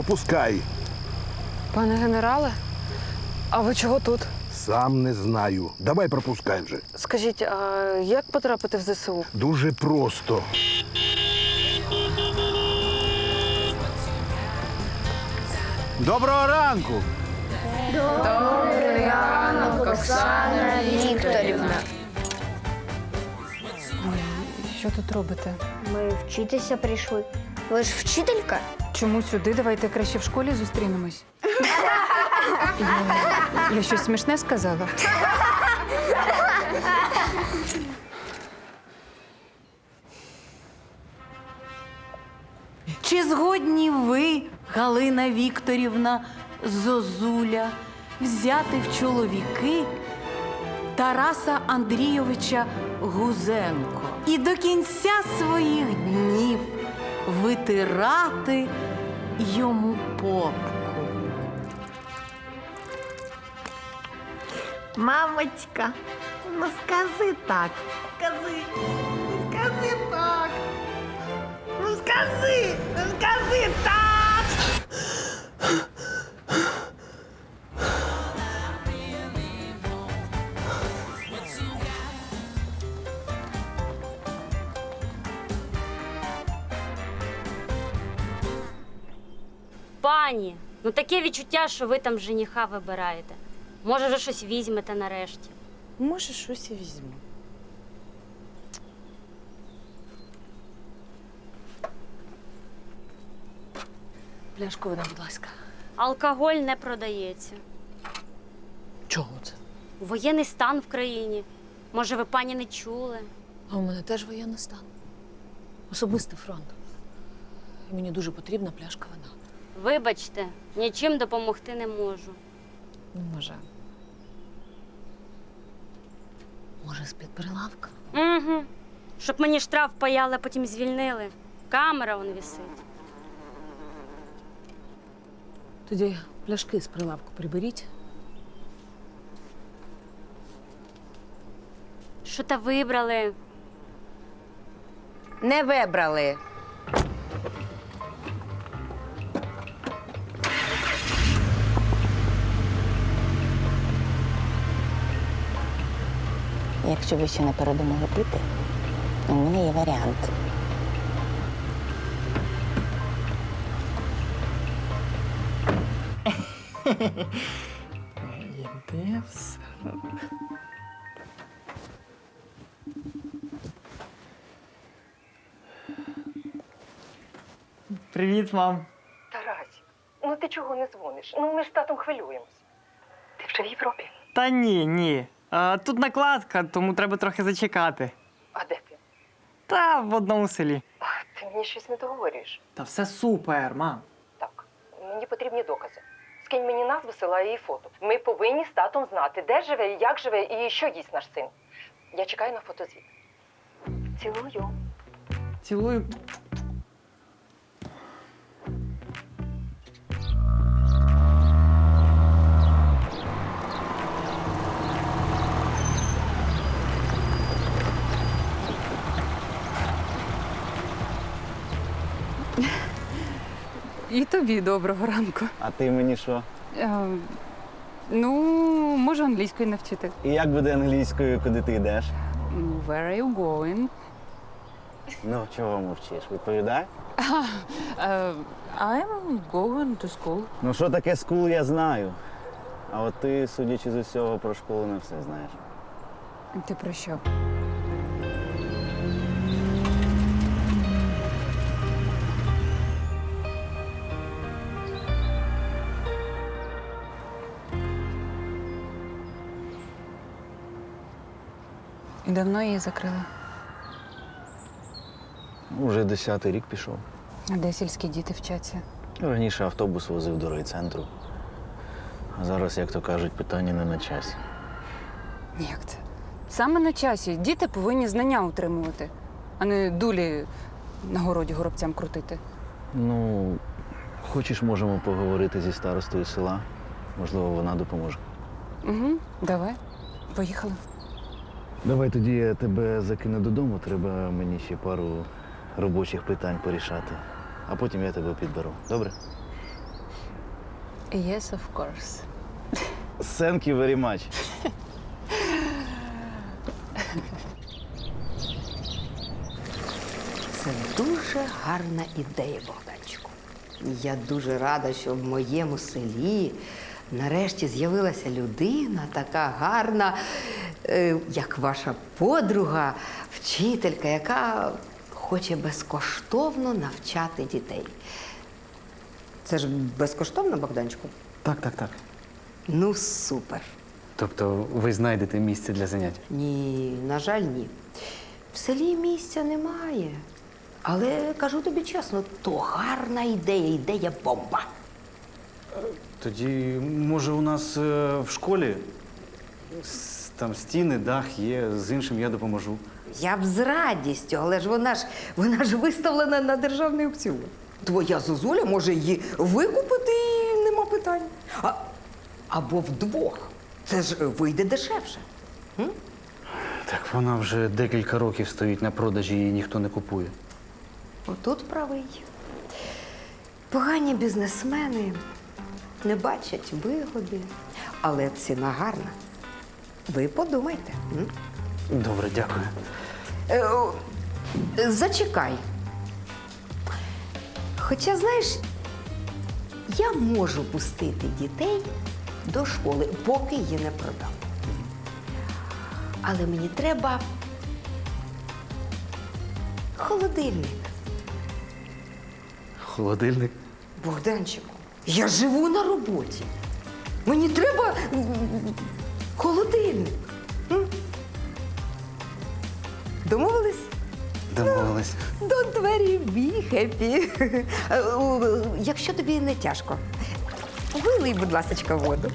пропускай. Пане генерале, а ви чого тут? Сам не знаю. Давай пропускай вже. Скажіть, а як потрапити в ЗСУ? Дуже просто. Доброго ранку! Оксана Вікторівна. Що тут робите? Ми вчитися прийшли. Ви ж вчителька? Чому сюди? Давайте краще в школі зустрінемось. Я щось смішне сказала? Чи згодні ви, Галина Вікторівна Зозуля, взяти в чоловіки Тараса Андрійовича Гузенко і до кінця своїх днів витирати йому попку? Мамочка, ну скажи так. Скажи так. Ну скажи так. Пані, ну таке відчуття, що ви там жениха вибираєте. Може, вже щось візьмете нарешті. Може, щось і візьму. Пляшку вода, будь ласка. Алкоголь не продається. Чого це? Воєнний стан в країні. Може, ви, пані, не чули? А у мене теж воєнний стан. Особистий фронт. І мені дуже потрібна пляшка вина. Вибачте, нічим допомогти не можу. Може. Може, з-під прилавка? Угу. Щоб мені штраф паяли, а потім звільнили. Камера вон висить. Тоді пляшки з прилавку приберіть. Що та вибрали? Не вибрали. Якщо ви ще не передумали пити, у мене є варіант. Іде все. Привіт, мам. Тарасік, ну ти чого не дзвониш? Ну ми ж з татом хвилюємось. Ти вже в Європі? Та ні. Тут накладка, тому треба трохи зачекати. А де ти? Та в одному селі. А, ти мені щось не договорюєш. Та все супер, мам. Так, мені потрібні докази. Скинь мені назву села і фото. Ми повинні з татом знати, де живе, як живе і що їсть наш син. Я чекаю на фотозвіт. Цілую. Цілую. І тобі доброго ранку. А ти мені що? Ну, можу англійською навчити. І як буде англійською, куди ти йдеш? Where are you going? Ну, чого мовчиш? Відповідай. I'm going to school. Ну, що таке скул, я знаю. А от ти, судячи з усього, про школу не все знаєш. Ти про що? І давно її закрили? Уже 10-й рік пішов. А де сільські діти вчаться? Раніше автобус возив до райцентру. А зараз, як то кажуть, питання не на часі. Як це? Саме на часі. Діти повинні знання утримувати, а не дулі на городі горобцям крутити. Ну, хочеш, можемо поговорити зі старостою села. Можливо, вона допоможе. Угу, давай. Поїхали. Давай тоді я тебе закину додому. Треба мені ще пару робочих питань порішати. А потім я тебе підберу. Добре? Yes, of course. Thank you very much. Це дуже гарна ідея, Богданчику. Я дуже рада, що в моєму селі нарешті з'явилася людина така гарна, як ваша подруга, вчителька, яка хоче безкоштовно навчати дітей. Це ж безкоштовно, Богданчику? Так, так, так. Ну, супер. Тобто ви знайдете місце для занять? Ні, на жаль, ні. В селі місця немає. Але кажу тобі чесно, то гарна ідея, ідея бомба. Тоді, може, у нас в школі там стіни, дах є, з іншим я допоможу. Я б з радістю, але ж вона ж виставлена на державний аукціон. Твоя зозуля може її викупити і нема питань. Або вдвох. Це ж вийде дешевше. Так вона вже декілька років стоїть на продажі, її ніхто не купує. Отут правий. Погані бізнесмени не бачать вигоди, але ціна гарна. Ви подумайте. Добре, дякую. Зачекай. Хоча, знаєш, я можу пустити дітей до школи, поки її не продам. Але мені треба холодильник. Холодильник? Богданчику, я живу на роботі. Мені треба холодильник. Домовились? Домовились. Don't worry, be happy. Якщо тобі не тяжко, вилий, будь ласочка, воду.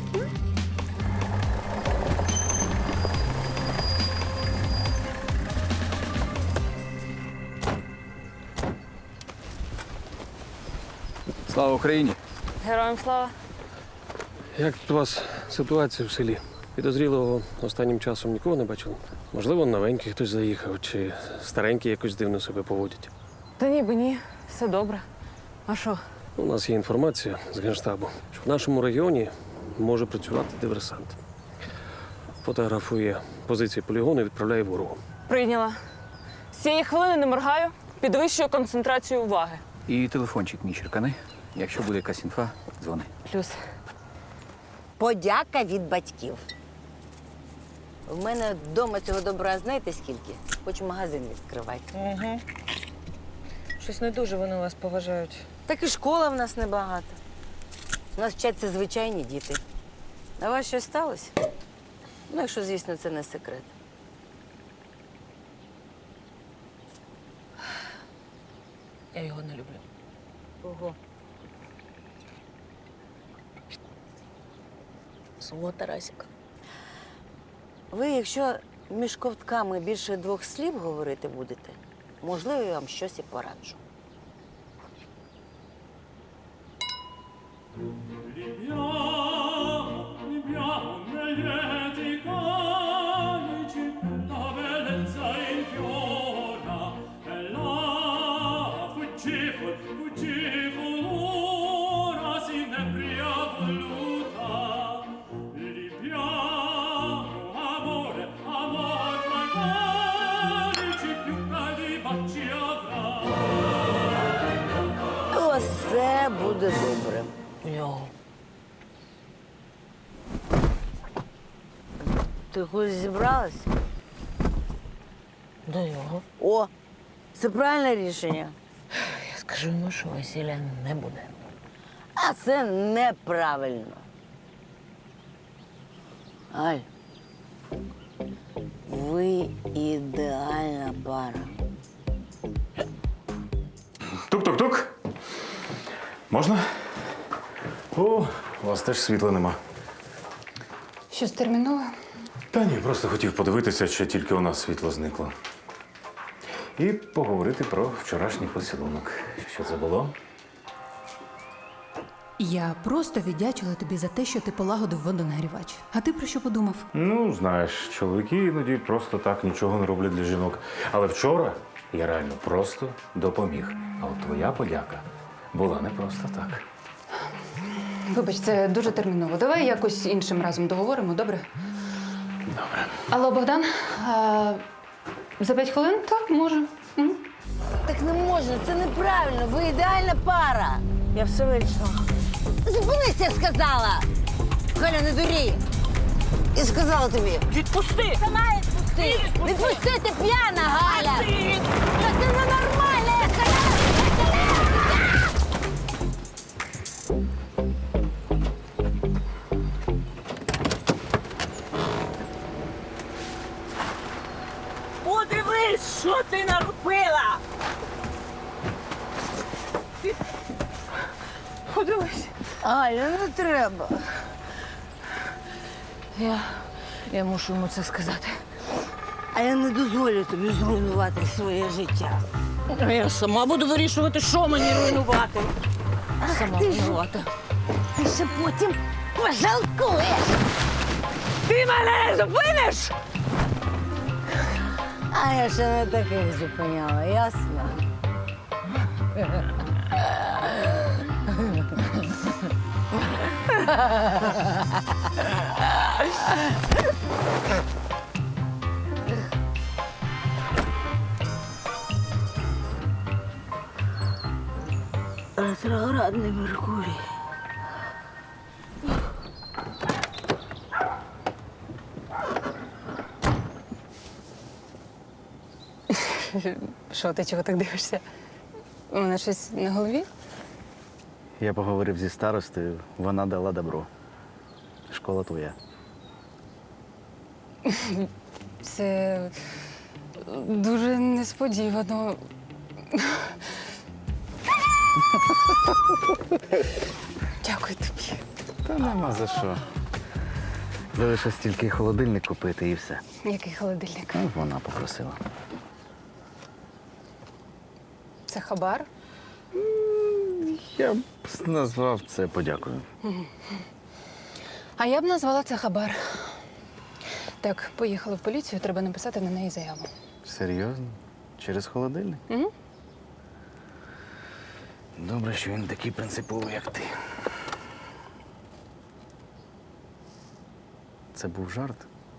Слава Україні! Героям слава. Як тут у вас ситуація в селі? Підозрілого останнім часом нікого не бачили? Можливо, новенький хтось заїхав, чи старенькі якось дивно себе поводять. Та ніби ні, все добре. А що? У нас є інформація з Генштабу, що в нашому регіоні може працювати диверсант. Фотографує позиції полігону і відправляє ворогу. Прийняла. З цієї хвилини не моргаю, підвищую концентрацію уваги. І телефончик мій черкани. Якщо буде якась інфа, дзвони. Плюс. Подяка від батьків. В мене вдома цього добра знаєте скільки? Хоч магазин відкривайте. Угу. Щось не дуже вони вас поважають. Так і школа в нас небагато. У нас вчаться звичайні діти. А у вас щось сталося? Ну, якщо, звісно, це не секрет. Я його не люблю. Кого? Свого Тарасіка. Ви, якщо між ковтками більше 2 слів говорити будете, можливо, я вам щось і пораджу. Все буде добре. У нього. Ти кудись зібралась? До нього. О, це правильне рішення. Я скажу йому, що весілля не буде. А це неправильно. Аль, ви ідеальна пара. Тук-тук-тук. Можна? О, у вас теж світла нема. Щось термінове? Та ні, просто хотів подивитися, чи тільки у нас світло зникло. І поговорити про вчорашній поцілунок. Що це було? Я просто віддячила тобі за те, що ти полагодив водонагрівач. А ти про що подумав? Ну, знаєш, чоловіки іноді просто так нічого не роблять для жінок. Але вчора я реально просто допоміг. А от твоя подяка була не просто так. Вибач, це дуже терміново. Давай якось іншим разом договоримо, добре? Добре. Алло, Богдан, за 5 хвилин? Так, може. Так не можна, це неправильно. Ви ідеальна пара. Я все вирішила. Зупинись, я сказала! Галя, не дурі! Я сказала тобі. Відпусти! Сама відпусти! Відпусти, ти п'яна, Галя! Та ти ненормальна, я сказала! Подивись, що ти наробила! Подивись. Галя, не треба. Я мушу йому це сказати. А я не дозволю тобі зруйнувати своє життя. Я сама буду вирішувати, що мені руйнувати. Сама винувата. Ти ще потім пожалкуєш. Ти мене зупиниш? А я ще не таких зупиняла, ясно? Ретроградний Меркурій. Що, ти чого так дивишся? У мене щось на голові? Я поговорив зі старостою, вона дала добро. Школа твоя. Це дуже несподівано. Дякую тобі. Та нема за що. Залишилось тільки холодильник купити і все. Який холодильник? Ну, вона попросила. Це хабар? Я б назвав це подякою. А я б назвала це хабар. Так, поїхали в поліцію, треба написати на неї заяву. Серйозно? Через холодильник? Угу. Добре, що він такий принциповий, як ти. Це був жарт?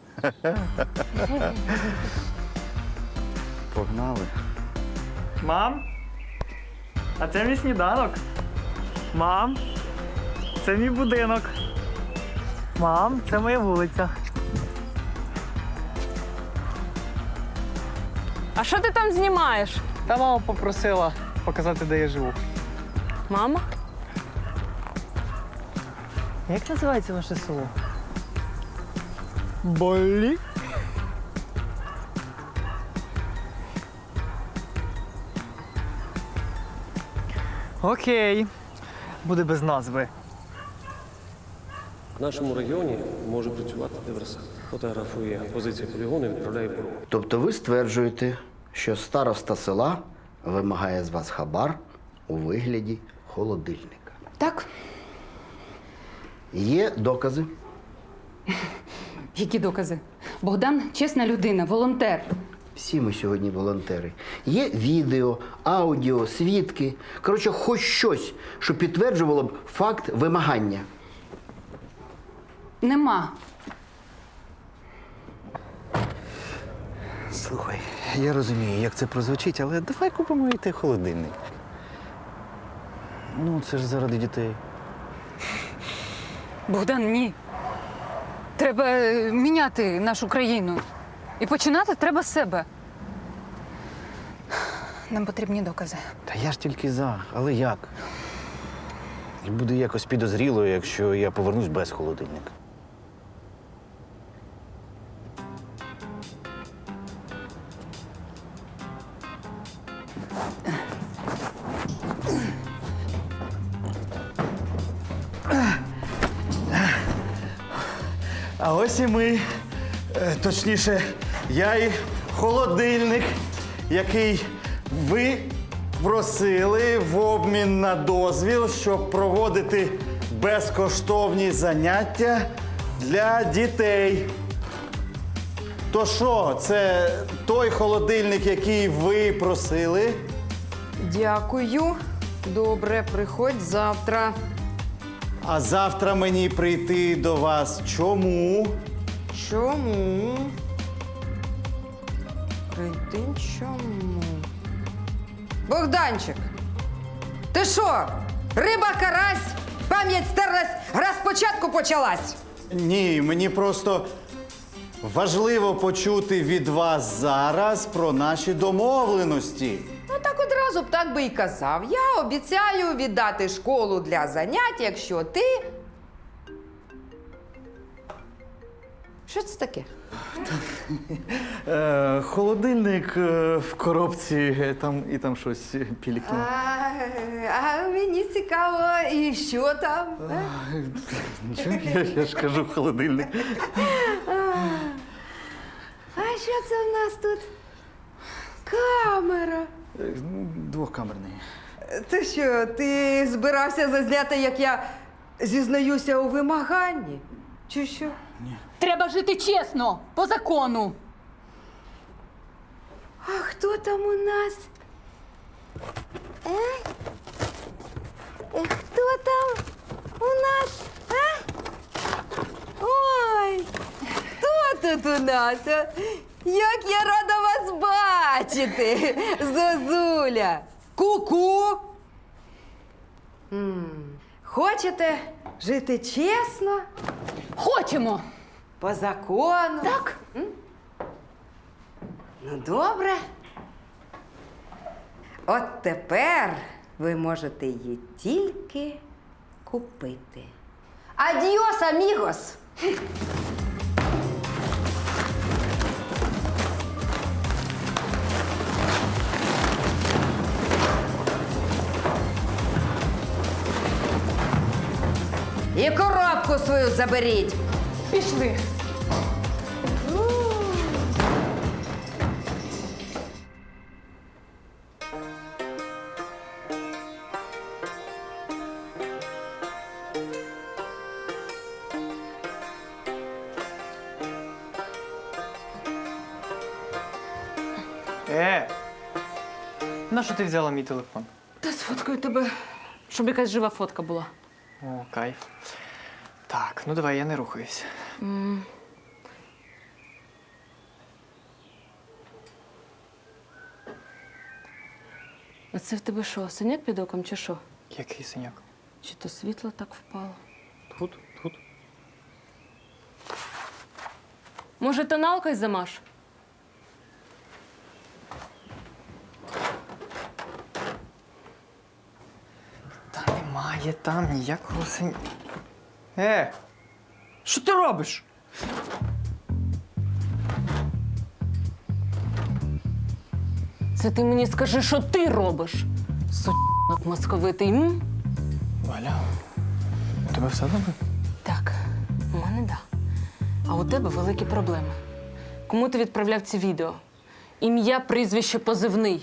Погнали. Мам? А це мій сніданок. Мам, це мій будинок. Мам, це моя вулиця. А що ти там знімаєш? Та мама попросила показати, де я живу. Мама? Як називається ваше село? Болі? Окей. Буде без назви. В нашому регіоні може працювати диверсант. Фотографує позиції полігону і відправляє ПРО. Тобто ви стверджуєте, що староста села вимагає з вас хабар у вигляді холодильника? Так. Є докази? Які докази? Богдан чесна людина, волонтер. Всі ми сьогодні волонтери. Є відео, аудіо, свідки. Коротше, хоч щось, що підтверджувало б факт вимагання. Нема. Слухай, я розумію, як це прозвучить, але давай купимо і той холодильник. Ну, це ж заради дітей. Богдан, ні. Треба міняти нашу країну. І починати треба з себе. Нам потрібні докази. Та я ж тільки за, але як? Буде якось підозріло, якщо я повернусь без холодильника. А ось і ми. Точніше, я і холодильник, який ви просили в обмін на дозвіл, щоб проводити безкоштовні заняття для дітей. То що, це той холодильник, який ви просили? Дякую. Добре, приходь завтра. А завтра мені прийти до вас чому? Чому? Прийти чому? Богданчик, ти що? Риба, карась, пам'ять стерлась, гра спочатку почалась. Ні, мені просто важливо почути від вас зараз про наші домовленості. Ну так одразу б так би і казав. Я обіцяю віддати школу для занять, якщо ти. Що це таке? Холодильник в коробці, там щось пілікнуло. А мені цікаво, і що там? Нічого, я ж кажу, холодильник. А що це в нас тут? Камера. Двохкамерний. Ти що, ти збирався зазняти, як я зізнаюся у вимаганні? Чи що? Треба жити чесно, по закону. А хто там у нас? Хто там у нас? Ой, хто тут у нас? Як я рада вас бачити, Зозуля! Ку-ку! Хочете жити чесно? Хочемо. По закону? Так. Ну, добре. От тепер ви можете її тільки купити. Адіос, амігос! І коробку свою заберіть. Пішли. Нащо ти взяла мій телефон? Та сфоткаю тебе, щоб якась жива фотка була. О, кайф. Так, ну давай, я не рухаюсь. А це в тебе що, синяк під оком чи що? Який синяк? Чи то світло так впало? Тут. Може, тоналкою замаш? Та немає там ніякого синяка. Що ти робиш? Це ти мені скажи, що ти робиш? Сучок московитий, м? Валя, у тебе все добре? Так, у мене да. А у тебе великі проблеми. Кому ти відправляв ці відео? Ім'я, прізвище, позивний.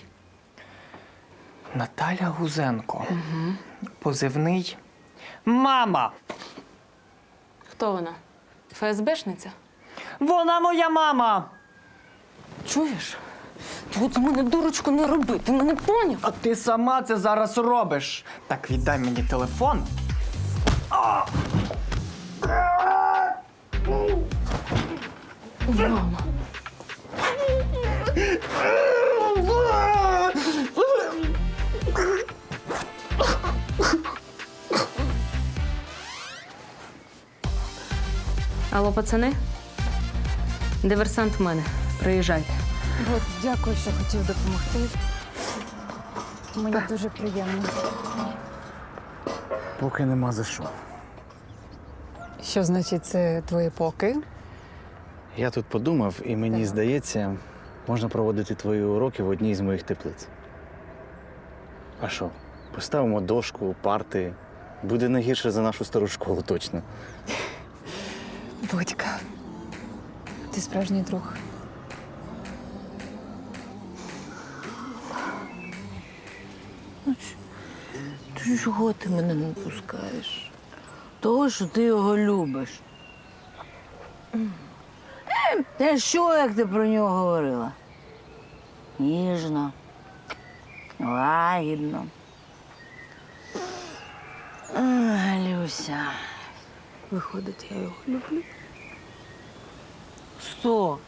Наталя Гузенко. Угу. Позивний мама. Хто вона? ФСБшниця? Вона моя мама. Чуєш? От з мене дурочку не роби, ти мене поняв? А ти сама це зараз робиш. Так, віддай мені телефон. Мама. Алло, пацани? Диверсант в мене. Приїжджайте. От, дякую, що хотів допомогти. Мені дуже приємно. Поки нема за що. Що значить це твої поки? Я тут подумав, і мені здається, можна проводити твої уроки в одній з моїх теплиць. А що? Поставимо дошку, парти. Буде не гірше за нашу стару школу, точно. Будька, ти справжній друг. Чого ти мене не пускаєш? Того, що ти його любиш. Та що, як ти про нього говорила? Ніжно, лагідно. Люся, виходить, я його люблю. 100.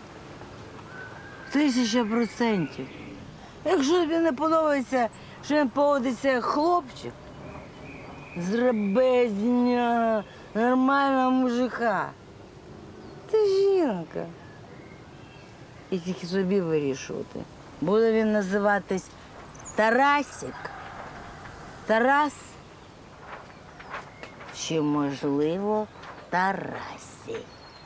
1000%. Якщо тобі не подобається, що він поводиться як хлопчик, зроби з нього нормального мужика. Це жінка. І тільки собі вирішувати. Буде він називатись Тарасик. Тарас. Чи, можливо, Тарасі.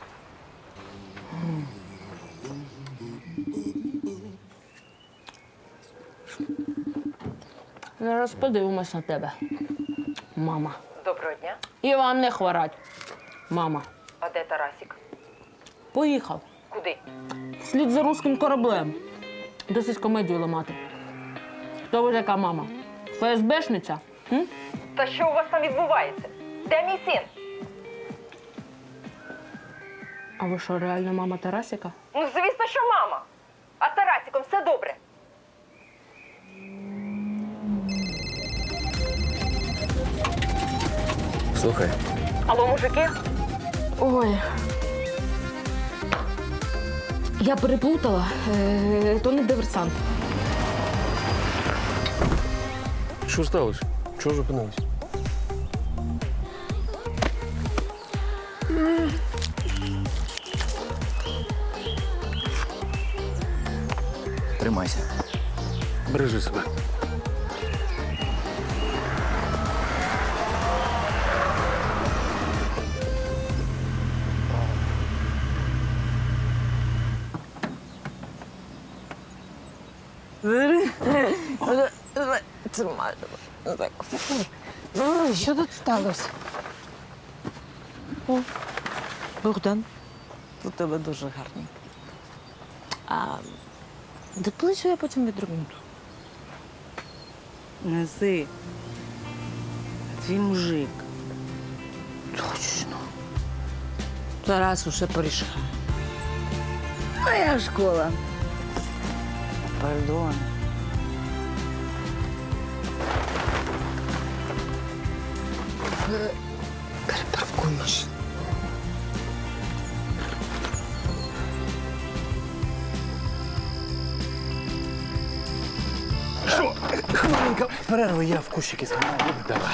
Зараз подивимось на тебе, мама. Доброго дня. І вам не хворать, мама. А де Тарасік? Поїхав. Куди? Вслід за руським кораблем. Досить комедію ламати. Хто ви така мама? ФСБшниця? М? Та що у вас там відбувається? Де мій син? А ви що, реально мама Тарасіка? Ну, звісно, що мама. А з Тарасіком все добре. Слухай, Алло, мужики? Ой. Я переплутала. То не диверсант. Що сталося? Чого зупинились? тримайся. Бережи себе. Що тут сталося? Богдан, у тебе дуже гарний. А доплачу я потім відрубнуту. Неси. Твій мужик. Точно. Тарас усе порішав. Моя школа. Пардон. Перепаркуй машину. Що? Хвилинка перерви, я в кущики згадаю. Давай.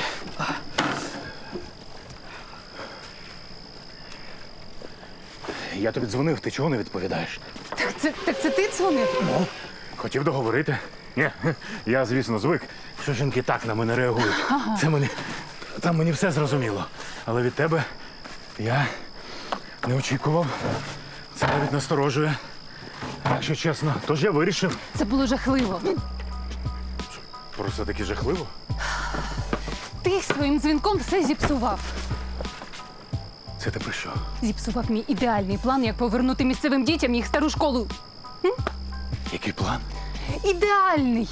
Я тобі дзвонив, ти чого не відповідаєш? Так це ти дзвонив? Ну, хотів договорити. Ні, я, звісно, звик, що жінки так на мене реагують. Ага. Там мені все зрозуміло. Але від тебе я не очікував. Це навіть насторожує. Якщо чесно, тож я вирішив. Це було жахливо. Просто таки жахливо. Ти своїм дзвінком все зіпсував. Це ти про що? Зіпсував мій ідеальний план, як повернути місцевим дітям їх стару школу. Який план? Ідеальний!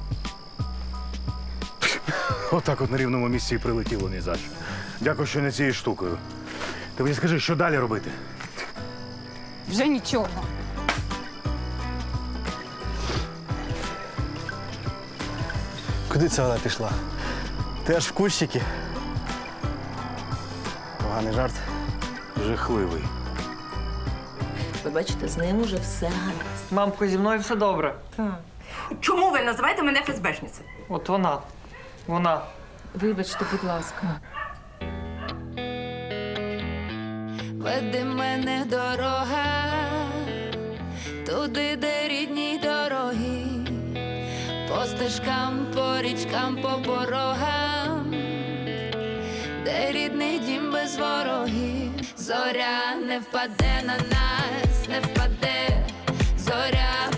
Отак от на рівному місці і прилетіло ні за що. Дякую, що не цією штукою. Ти мені скажи, що далі робити? Вже нічого. Куди це вона пішла? Ти аж в кущики. Поганий жарт. Жахливий. Ви бачите, з ним уже все гаразд. Мамко, зі мною все добре. Чому ви називаєте мене ФСБшницею? От вона. Вона. Вибачте, будь ласка. Веди мене дорога, туди, де рідні дороги, по стежкам, по річкам, по порогам, де рідний дім без ворогів. Зоря не впаде на нас, не впаде, зоря